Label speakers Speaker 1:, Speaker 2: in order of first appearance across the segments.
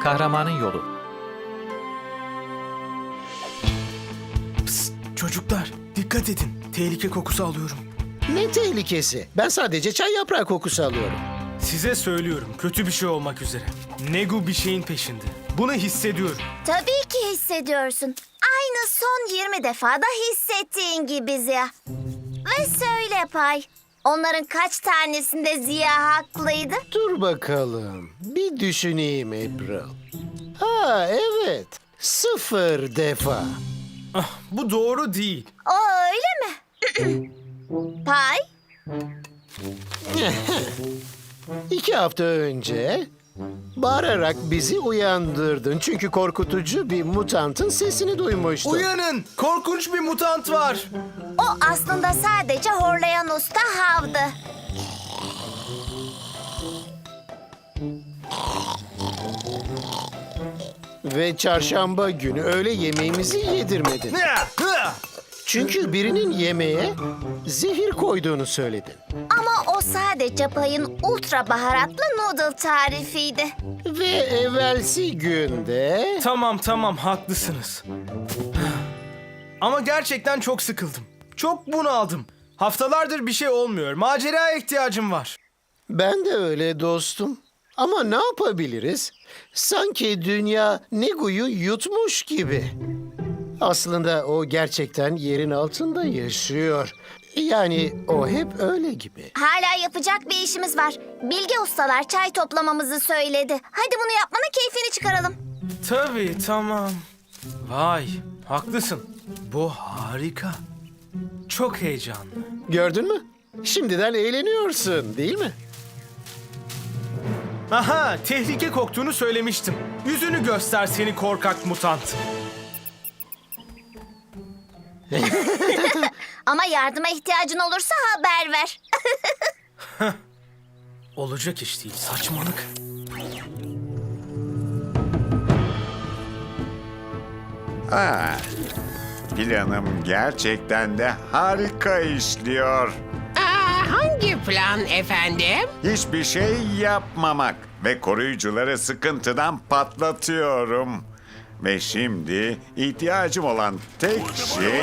Speaker 1: Kahramanın Yolu.
Speaker 2: Psst, çocuklar dikkat edin. Tehlike kokusu alıyorum.
Speaker 3: Ne tehlikesi? Ben sadece çay yaprağı kokusu alıyorum.
Speaker 2: Size söylüyorum, kötü bir şey olmak üzere. Negu bir şeyin peşinde. Bunu hissediyorum.
Speaker 4: Tabii ki hissediyorsun. Aynı son 20 defada hissettiğin gibi Ziya. Ve söyle Pay, onların kaç tanesinde Ziya haklıydı?
Speaker 3: Dur bakalım. Bir düşüneyim April. Ha evet. 0 defa.
Speaker 2: Ah, bu doğru değil.
Speaker 4: O öyle mi? Pay,
Speaker 3: 2 hafta önce bağırarak bizi uyandırdın. Çünkü korkutucu bir mutantın sesini duymuştun.
Speaker 2: Uyanın! Korkunç bir mutant var.
Speaker 4: o aslında sadece horlayan usta Hav'dı.
Speaker 3: Ve çarşamba günü öğle yemeğimizi yedirmedin.
Speaker 2: Hıa, hıa!
Speaker 3: Çünkü birinin yemeğe zehir koyduğunu söyledin.
Speaker 4: Ama o sadece Pay'ın ultra baharatlı noodle tarifiydi.
Speaker 3: Ve evvelsi günde...
Speaker 2: Tamam, haklısınız. Ama gerçekten çok sıkıldım. Çok bunaldım. Haftalardır bir şey olmuyor. Maceraya ihtiyacım var.
Speaker 3: Ben de öyle dostum. Ama ne yapabiliriz? Sanki dünya Negu'yu yutmuş gibi. Aslında o gerçekten yerin altında yaşıyor. Yani o hep öyle gibi.
Speaker 4: Hala yapacak bir işimiz var. Bilge ustalar çay toplamamızı söyledi. Hadi bunu yapmanın keyfini çıkaralım.
Speaker 2: Tabii, tamam. Vay, haklısın. Bu harika. Çok heyecanlı.
Speaker 3: Gördün mü? Şimdiden eğleniyorsun, değil mi?
Speaker 2: Aha, tehlike koktuğunu söylemiştim. Yüzünü göster seni korkak mutant.
Speaker 4: Ama yardıma ihtiyacın olursa haber ver.
Speaker 2: Olacak iş değil, saçmalık.
Speaker 5: Planım gerçekten de harika işliyor.
Speaker 6: Hangi plan efendim?
Speaker 5: Hiçbir şey yapmamak ve koruyucuları sıkıntıdan patlatıyorum. Ve şimdi ihtiyacım olan tek şey...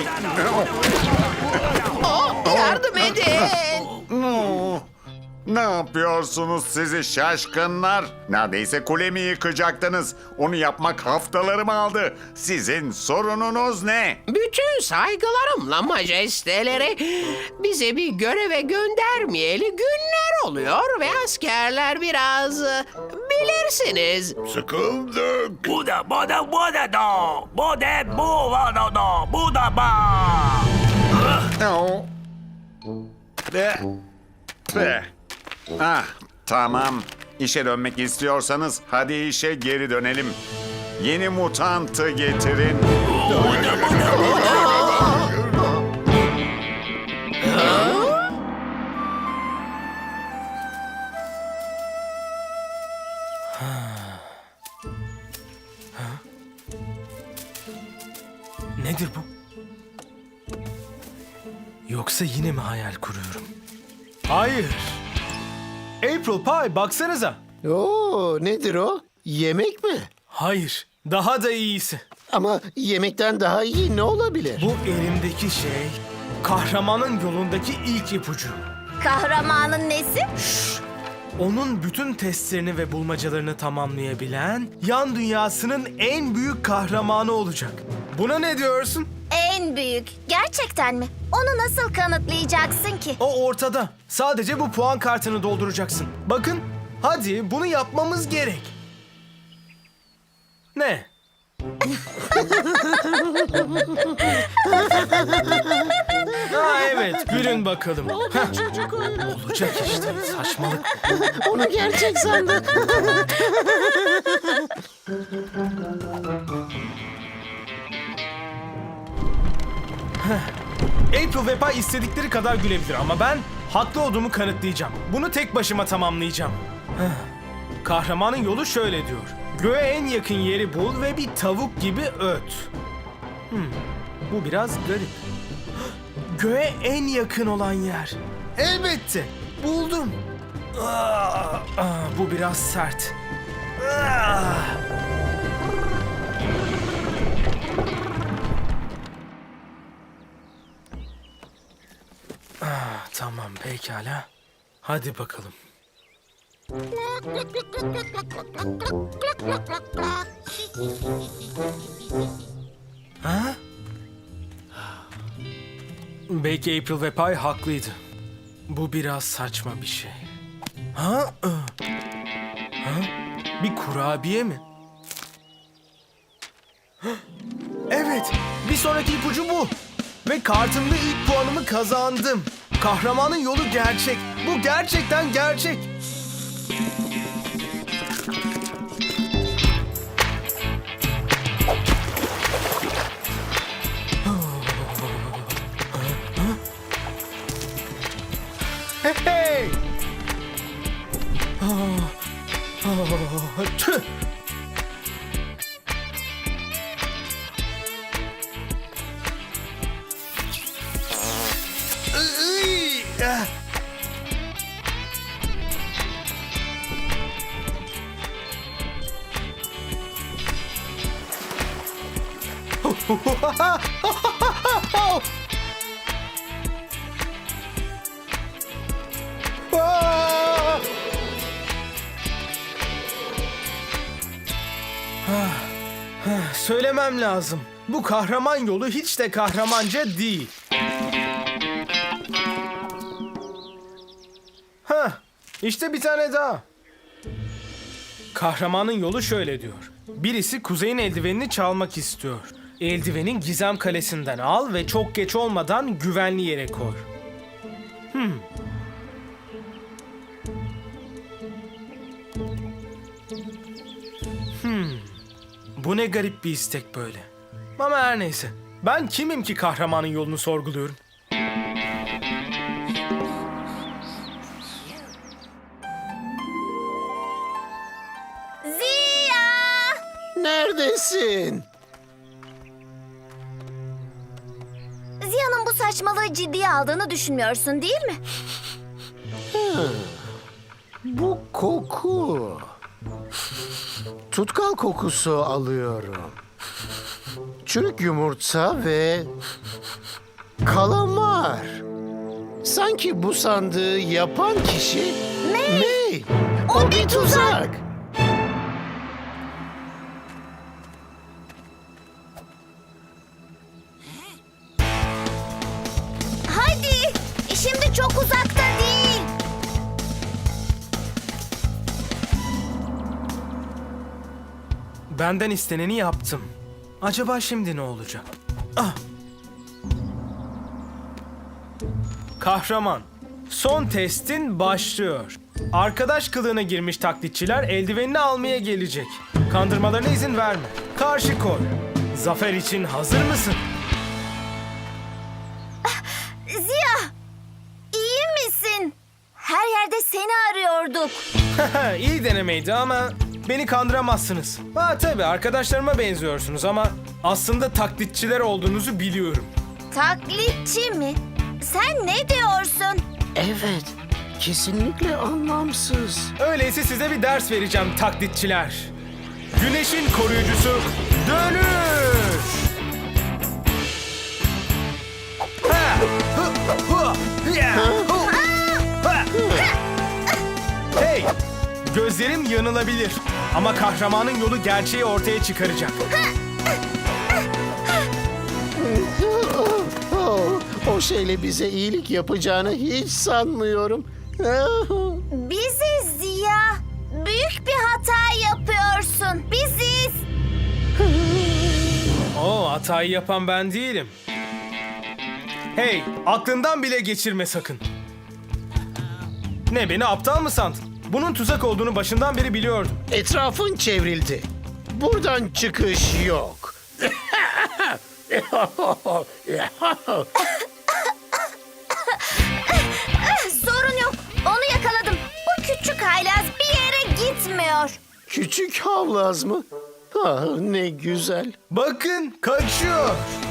Speaker 6: Yardım edin.
Speaker 5: Ne yapıyorsunuz sizi şaşkınlar? Neredeyse kulemi yıkacaktınız. Onu yapmak haftalarımı aldı. Sizin sorununuz ne?
Speaker 6: Bütün saygılarımla majesteleri bize bir göreve göndermeyeli günler oluyor ve askerler biraz bilirsiniz.
Speaker 5: Sıkıldık. Ah, tamam. İşe dönmek istiyorsanız hadi işe geri dönelim. Yeni mutantı getirin.
Speaker 2: Nedir bu? Yoksa yine mi hayal kuruyorum? Hayır. April Pie, baksanıza.
Speaker 3: Oo, nedir o? Yemek mi?
Speaker 2: Hayır, daha da iyisi.
Speaker 3: Ama yemekten daha iyi ne olabilir?
Speaker 2: Bu elimdeki şey, kahramanın yolundaki ilk ipucu.
Speaker 4: Kahramanın nesi?
Speaker 2: Onun bütün testlerini ve bulmacalarını tamamlayabilen, yan dünyasının en büyük kahramanı olacak. Buna ne diyorsun?
Speaker 4: En büyük. Gerçekten mi? Onu nasıl kanıtlayacaksın ki?
Speaker 2: O ortada. Sadece bu puan kartını dolduracaksın. Bakın, hadi bunu yapmamız gerek. Ne? Ha evet, gülün bakalım. Olacak işte, saçmalık.
Speaker 3: Onu gerçek sandı.
Speaker 2: April ve Pie istedikleri kadar gülebilir ama ben haklı olduğumu kanıtlayacağım. Bunu tek başıma tamamlayacağım. Kahramanın yolu şöyle diyor. Göğe en yakın yeri bul ve bir tavuk gibi öt. Bu biraz garip. Göğe en yakın olan yer. Elbette. Buldum. Bu biraz sert. Tamam, pekala. Hadi bakalım. Ha? Belki April ve Pie haklıydı. Bu biraz saçma bir şey. Ha? Ha? Bir kurabiye mi? Evet, bir sonraki ipucu bu. Ve kartımda ilk puanımı kazandım. Kahramanın yolu gerçek. Bu gerçekten gerçek. Hey! Tüh! Iy! Ah! Ah! Söylemem lazım. Bu kahraman yolu hiç de kahramanca değil. İşte bir tane daha. Kahramanın yolu şöyle diyor. Birisi kuzeyin eldivenini çalmak istiyor. Eldivenin Gizem Kalesi'nden al ve çok geç olmadan güvenli yere koy. Bu ne garip bir istek böyle. Ama her neyse. Ben kimim ki kahramanın yolunu sorguluyorum?
Speaker 4: Ziya!
Speaker 3: Neredesin?
Speaker 4: Ziya'nın bu saçmalığı ciddiye aldığını düşünmüyorsun değil mi?
Speaker 3: Bu koku. Tutkal kokusu alıyorum. Çürük yumurta ve kalamar. Sanki bu sandığı yapan kişi May. O bir tuzak.
Speaker 4: Hadi! Şimdi çok uzakta değil.
Speaker 2: Benden isteneni yaptım. Acaba şimdi ne olacak? Ah! Kahraman, son testin başlıyor. Arkadaş kılığına girmiş taklitçiler eldivenini almaya gelecek. Kandırmalarına izin verme. Karşı koy. Zafer için hazır mısın?
Speaker 4: Ziya! İyi misin? Her yerde seni arıyorduk.
Speaker 2: İyi denemeydi ama beni kandıramazsınız. Ha tabii arkadaşlarıma benziyorsunuz ama aslında taklitçiler olduğunuzu biliyorum.
Speaker 4: Taklitçi mi? Sen ne diyorsun?
Speaker 3: Evet, kesinlikle anlamsız.
Speaker 2: Öyleyse size bir ders vereceğim taklitçiler. Güneşin koruyucusu dönüş! Ha! Hı! Hı! Ya! Hu! Ha! Hey! Gözlerim yanılabilir ama kahramanın yolu gerçeği ortaya çıkaracak.
Speaker 3: O şeyle bize iyilik yapacağını hiç sanmıyorum.
Speaker 4: Biziz Ziya. Büyük bir hata yapıyorsun. Biziz.
Speaker 2: Oo, hatayı yapan ben değilim. Hey, aklından bile geçirme sakın. Ne, beni aptal mı sandın? Bunun tuzak olduğunu başından beri biliyordum.
Speaker 3: Etrafın çevrildi. Buradan çıkış yok.
Speaker 4: Sorun yok. Onu yakaladım. Bu küçük haylaz bir yere gitmiyor.
Speaker 3: Küçük havlaz mı? Ah, ne güzel.
Speaker 2: Bakın, kaçıyor.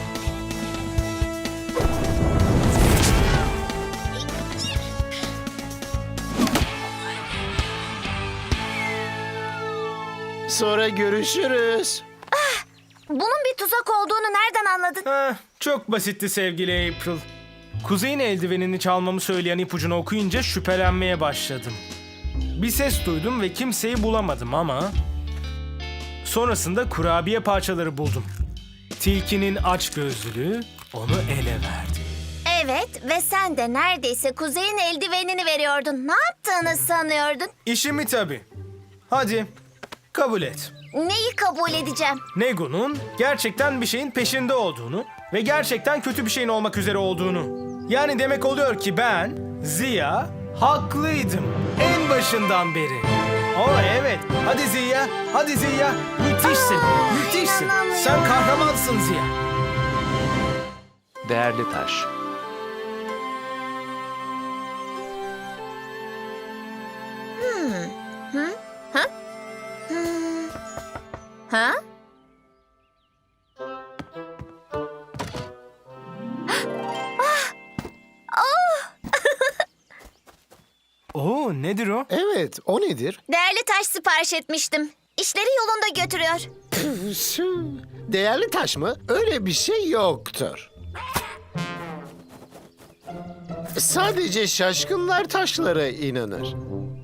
Speaker 3: Sonra görüşürüz.
Speaker 4: Bunun bir tuzak olduğunu nereden anladın?
Speaker 2: Heh, çok basitti sevgili April. Kuzey'in eldivenini çalmamı söyleyen ipucunu okuyunca şüphelenmeye başladım. Bir ses duydum ve kimseyi bulamadım ama... Sonrasında kurabiye parçaları buldum. Tilkinin açgözlülüğü onu ele verdi.
Speaker 4: Evet ve sen de neredeyse Kuzey'in eldivenini veriyordun. Ne yaptığını sanıyordun?
Speaker 2: İşimi tabii. Hadi, kabul et.
Speaker 4: Neyi kabul edeceğim?
Speaker 2: Negu'nun gerçekten bir şeyin peşinde olduğunu ve gerçekten kötü bir şeyin olmak üzere olduğunu. Yani demek oluyor ki ben, Ziya, haklıydım. En başından beri. Evet. Hadi Ziya, hadi Ziya. Müthişsin, müthişsin.
Speaker 4: inanamıyorum.
Speaker 2: Sen kahramansın Ziya.
Speaker 1: Değerli taş.
Speaker 4: Ha?
Speaker 2: Oo, nedir o?
Speaker 3: Evet, o nedir?
Speaker 4: Değerli taş sipariş etmiştim. İşleri yolunda götürüyor.
Speaker 3: Değerli taş mı? Öyle bir şey yoktur. Sadece şaşkınlar taşlara inanır.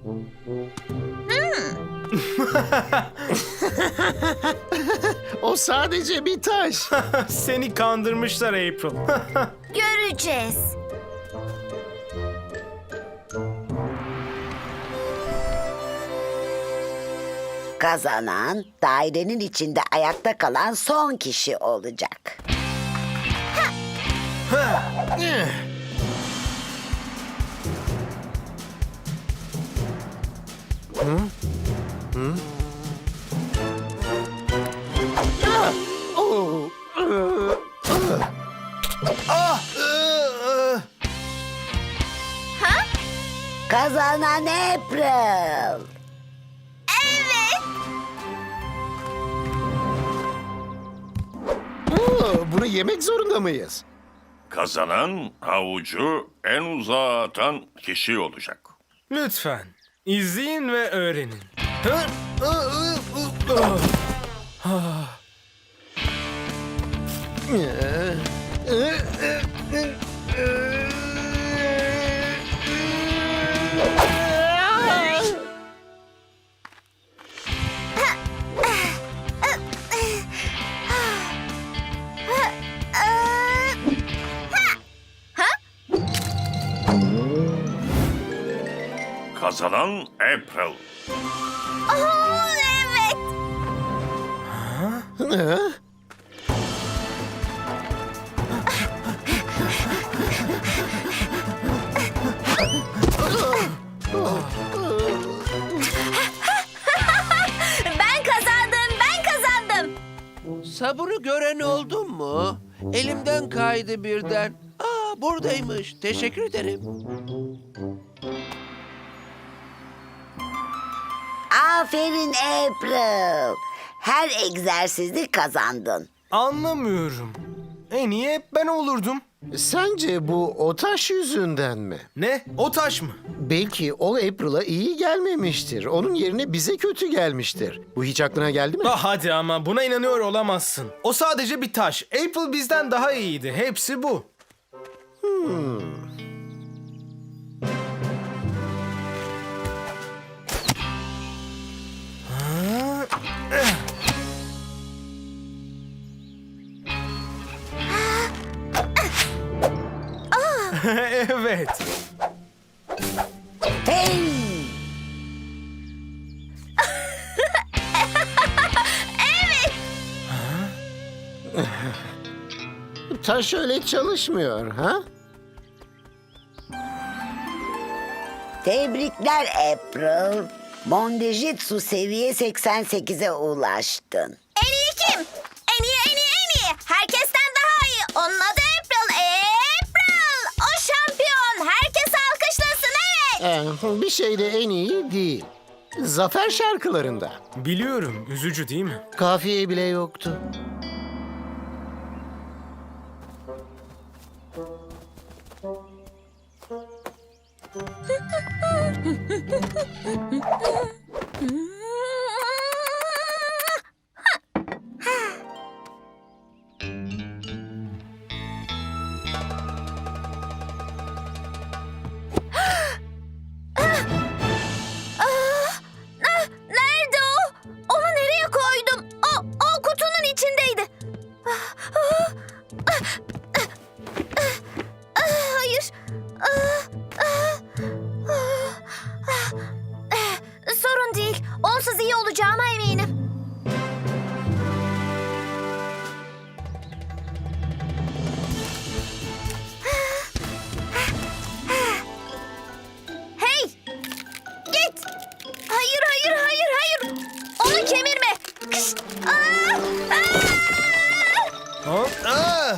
Speaker 3: O sadece bir taş.
Speaker 2: Seni kandırmışlar April.
Speaker 4: Göreceğiz.
Speaker 7: Kazanan dairenin içinde ayakta kalan son kişi olacak.
Speaker 3: Oo.
Speaker 7: Kazanan April.
Speaker 3: Bunu yemek zorunda mıyız?
Speaker 8: Kazanan havucu en uzağa atan kişi olacak.
Speaker 2: Lütfen, izleyin ve öğrenin.
Speaker 8: Kazanan April.
Speaker 4: Evet. Ben kazandım, ben kazandım.
Speaker 6: Sabırı gören oldu mu? Elimden kaydı birden. Aa, buradaymış. Teşekkür ederim.
Speaker 7: Aferin April. Her egzersizde kazandın.
Speaker 2: Anlamıyorum. En iyi hep ben olurdum.
Speaker 3: Sence bu o taş yüzünden mi?
Speaker 2: Ne? O taş mı?
Speaker 3: Belki o April'a iyi gelmemiştir. Onun yerine bize kötü gelmiştir. Bu hiç aklına geldi mi?
Speaker 2: Ah hadi ama buna inanıyor olamazsın. O sadece bir taş. April bizden daha iyiydi. Hepsi bu. Evet.
Speaker 7: Hey!
Speaker 3: Taş öyle çalışmıyor, ha?
Speaker 7: Tebrikler April. Mondejitsu seviye 88'e ulaştın.
Speaker 4: En iyi kim? En iyi, en iyi, en iyi. Herkesten daha iyi. Onun adı April. April! O şampiyon. Herkes alkışlasın, evet.
Speaker 3: Bir şeyde en iyi değil. Zafer şarkılarında.
Speaker 2: Biliyorum. Üzücü değil mi?
Speaker 3: Kafiye bile yoktu.
Speaker 4: üzerindeydi. Hayır. Sorun değil. Onsuz iyi olacağıma eminim. Hey! Git! Hayır, hayır, hayır, hayır! Onu kemirme! Kış! Aa! Aa!
Speaker 2: Hop, aa!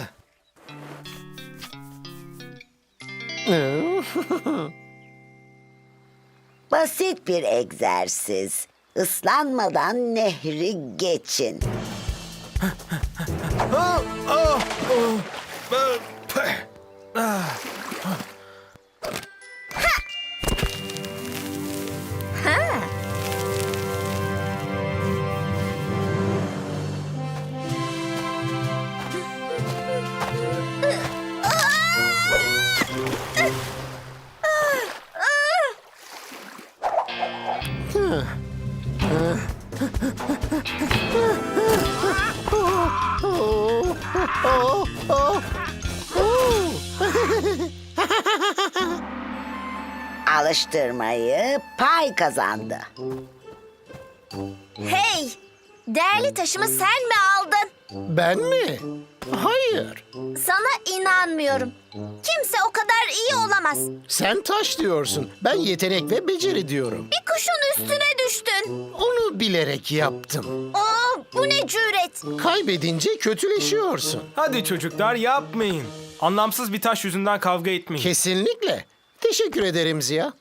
Speaker 7: Basit bir egzersiz. Islanmadan nehri geçin.
Speaker 2: Ah, ah, oh, ah, peh, ah.
Speaker 7: Alıştırmayı Pay kazandı.
Speaker 4: Hey! Değerli taşımı sen mi aldın?
Speaker 3: Ben mi? Hayır.
Speaker 4: Sana inanmıyorum. Kimse o kadar iyi olamaz.
Speaker 3: Sen taş diyorsun. Ben yetenek ve beceri diyorum.
Speaker 4: Bir kuşun üstüne düştün.
Speaker 3: Onu bilerek yaptım.
Speaker 4: Bu ne cüret?
Speaker 3: Kaybedince kötüleşiyorsun.
Speaker 2: Hadi çocuklar yapmayın. Anlamsız bir taş yüzünden kavga etmeyin.
Speaker 3: Kesinlikle. Teşekkür ederim Ziya.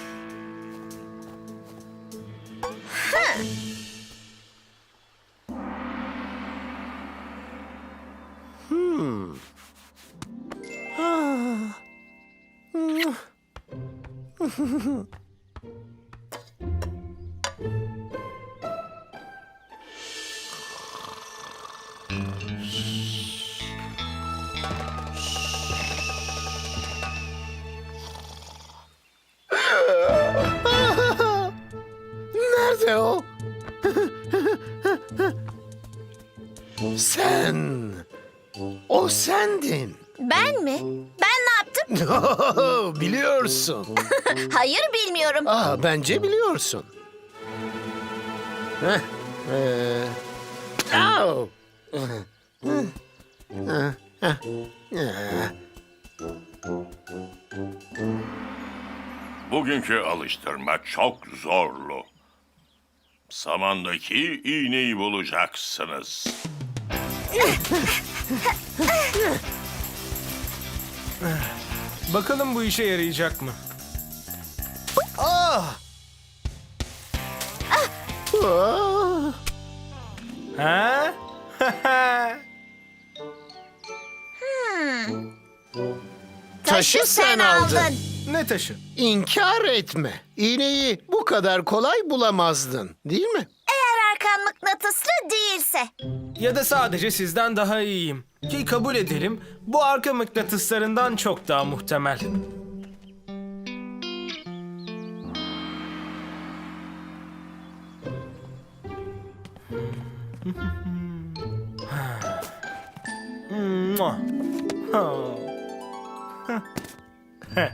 Speaker 3: Nerede o? Sen. O sendin.
Speaker 4: Ben mi? Ben ne yaptım?
Speaker 3: Biliyorsun.
Speaker 4: Hayır bilmiyorum.
Speaker 3: Bence biliyorsun. Heh, au.
Speaker 8: Bugünkü alıştırma çok zorlu. Samandaki iğneyi bulacaksınız.
Speaker 2: Bakalım bu işe yarayacak mı? Ah!
Speaker 3: Ah.
Speaker 2: Ha?
Speaker 3: Taşı sen aldın.
Speaker 2: Ne taşı?
Speaker 3: İnkar etme. İğneyi bu kadar kolay bulamazdın, değil mi?
Speaker 4: Eğer arkan mıknatıslı değilse.
Speaker 2: Ya da sadece sizden daha iyiyim. Ki kabul edelim, bu arka mıknatıslarından çok daha muhtemel. Mua. Ha. Heh.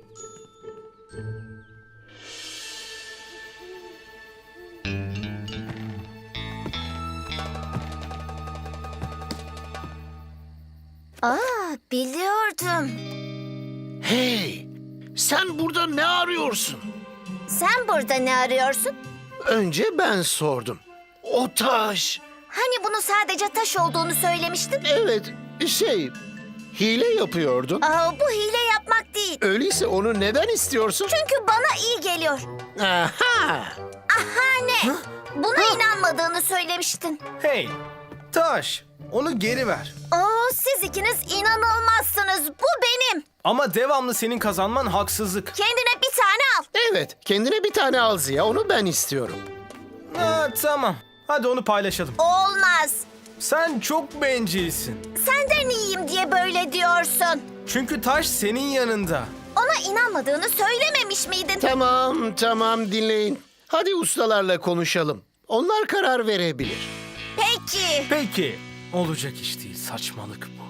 Speaker 4: Biliyordum.
Speaker 3: Hey, sen burada ne arıyorsun?
Speaker 4: Sen burada ne arıyorsun?
Speaker 3: Önce ben sordum. O taş.
Speaker 4: Hani bunu sadece taş olduğunu söylemiştin?
Speaker 3: Evet, hile yapıyordun.
Speaker 4: Bu hile yapmak değil.
Speaker 3: Öyleyse onu neden istiyorsun?
Speaker 4: Çünkü bana iyi geliyor.
Speaker 3: Aha!
Speaker 4: Aha ne? Buna inanmadığını söylemiştin.
Speaker 2: Hey, taş, onu geri ver.
Speaker 4: Siz ikiniz inanılmazsınız. Bu benim.
Speaker 2: Ama devamlı senin kazanman haksızlık.
Speaker 4: Kendine bir tane al.
Speaker 3: Evet, kendine bir tane al Ziya, onu ben istiyorum.
Speaker 2: Tamam, hadi onu paylaşalım.
Speaker 4: Olmaz.
Speaker 2: Sen çok bencilsin.
Speaker 4: Senden iyiyim diye böyle diyorsun.
Speaker 2: Çünkü taş senin yanında.
Speaker 4: Ona inanmadığını söylememiş miydin?
Speaker 3: Tamam, dinleyin. Hadi ustalarla konuşalım. Onlar karar verebilir.
Speaker 4: Peki. ki.
Speaker 2: Peki, olacak iş değil. Saçmalık bu.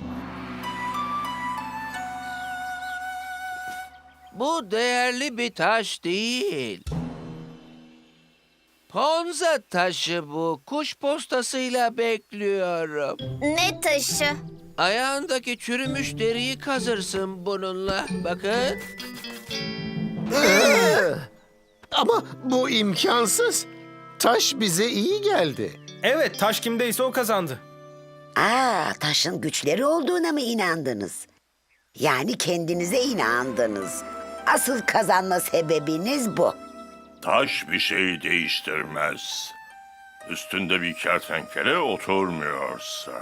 Speaker 6: Bu değerli bir taş değil. Ponza taşı bu. Kuş postasıyla bekliyorum.
Speaker 4: Ne taşı?
Speaker 6: Ayağındaki çürümüş deriyi kazırsın bununla. Bakın.
Speaker 3: Ama bu imkansız. Taş bize iyi geldi.
Speaker 2: Evet, taş kimdeyse o kazandı.
Speaker 7: Taşın güçleri olduğuna mı inandınız? Yani kendinize inandınız. Asıl kazanma sebebiniz bu.
Speaker 8: Taş bir şey değiştirmez. Üstünde bir kertenkele oturmuyorsa.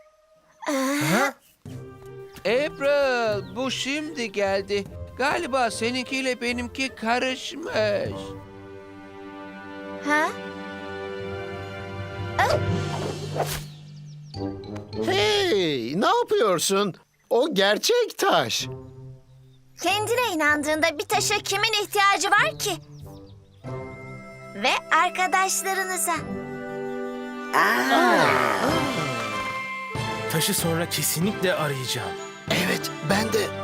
Speaker 6: April, bu şimdi geldi. Galiba seninkiyle benimki karışmış.
Speaker 4: Ha?
Speaker 3: Hey, ne yapıyorsun? O gerçek taş.
Speaker 4: Kendine inandığında bir taşa kimin ihtiyacı var ki? Ve arkadaşlarınıza.
Speaker 2: Taşı sonra kesinlikle arayacağım.
Speaker 3: Evet, ben de.